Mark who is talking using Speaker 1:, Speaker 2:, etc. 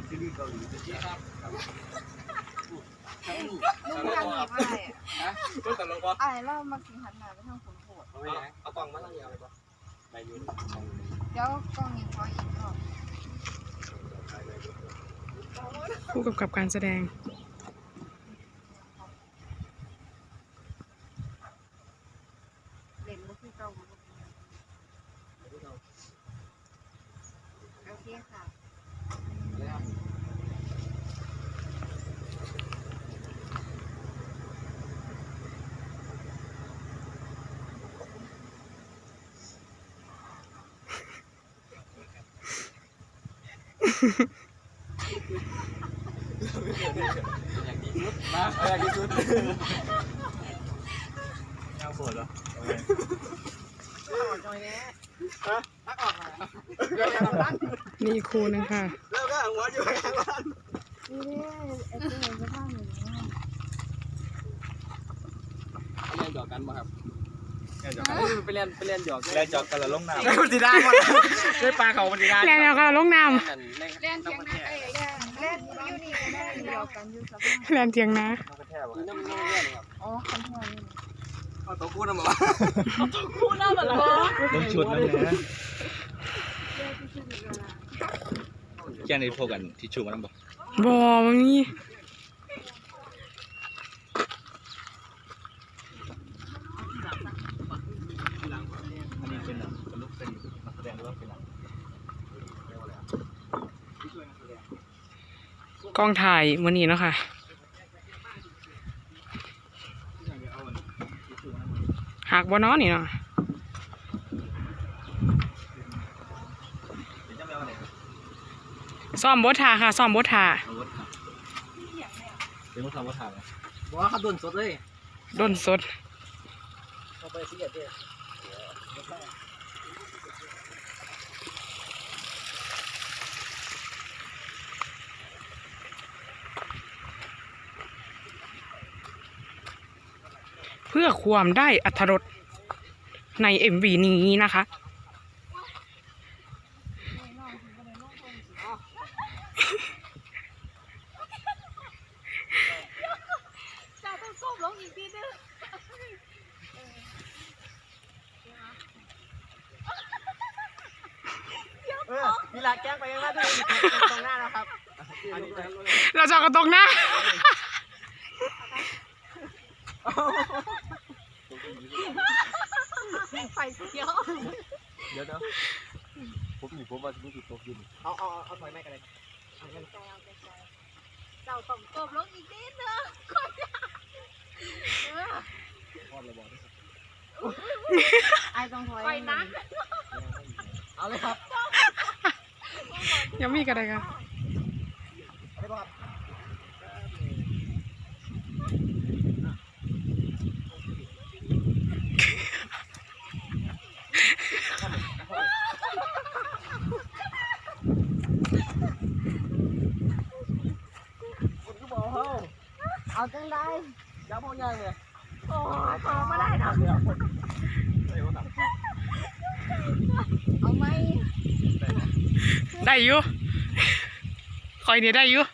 Speaker 1: ซีรีส์เกาหลีครับ
Speaker 2: ลุงอยากหนีบอะไรอ่ะ
Speaker 1: ก็ตลกวะ
Speaker 2: อะไรเรามากินหันหน้าไปทางฝนโผล่
Speaker 1: เอากล่องมาตั้งยาวเลยปะไปยืน
Speaker 2: เดี๋ยวกล้องนี้พออีกรอบ
Speaker 3: ผู้กำกับการแสดง
Speaker 2: เล่นมุกที่เก่าโอเคค่ะ
Speaker 1: อย่างดีสุดมาอย่างดีสุดยาวปวดเหรอ
Speaker 3: นี่ครูนะคะ
Speaker 1: แล้วก็หัวอยู่ข้างล่าง
Speaker 2: นี่เอ๊ะเห็นสภาพหนู
Speaker 1: เรียนหยอกกันป่ะครับไปเรียนหยอก
Speaker 4: แล่นจอกกันละลงน้ำ
Speaker 1: มันสีได้หมดด้วยปลาเขามันสีได้
Speaker 3: แล้วก็ลงน้
Speaker 2: เล่นเทียงนะเล่นยูนี่ก็ได้เดียวกันยูสภาพ
Speaker 3: ำแลนเทียงนะ
Speaker 1: น้ำมันเรียนครับ
Speaker 2: อ๋อคันทอนนี่
Speaker 1: เอาตัวกู้นะหมอ
Speaker 4: ต้องชุดแล้วนะแค่นี้พวกกันที่ชูมันบอก
Speaker 3: บอมันมี
Speaker 4: อันนี้เป็นลูกเป็นนักแสดงหรือว่าเป็นอะไร
Speaker 3: กองถ่ายมื้อนี้เนาะค่ะหักบ่เนาะนี่เนาะซ้อมบทท่าค่ะซ้อมบทท่า
Speaker 4: เป็นลูกทำว่าถ่ายไหม
Speaker 1: บอกว่าเขาโดนสดเลย
Speaker 3: ด้นสด
Speaker 1: เขาไปซีเรียสเลย
Speaker 3: เพื่อความได้อรรถรสใน MV นี้นะคะ
Speaker 2: จะต้องก้มลงอีกทีนึง
Speaker 1: มีลาแกล้งไปยังไงที่ตรงหน้านะครับ
Speaker 3: เราจะกระตรงหน้า
Speaker 2: ไฟเขียว
Speaker 1: เดี๋ยวผมว่าจะมีจุดตกยืนเอาถอยไม่กันเลย
Speaker 2: เจ้าต้องก้มลงอีกนิดนึงก่อนจะ
Speaker 1: พอดระบอก
Speaker 2: ไอ้ต้องถอยไปนะ
Speaker 1: เอาเลยครับ
Speaker 3: ยังมีกันเลยค่ะ
Speaker 1: ได้ป่ะครับคุณก็บอกเขา
Speaker 2: เอาจังได้
Speaker 1: ย้ำพ่อใหญ่เลย
Speaker 2: โอ้พอไม่ได้นะ เอาไหม
Speaker 3: ได้อยู่คอยนี่ได้อยู่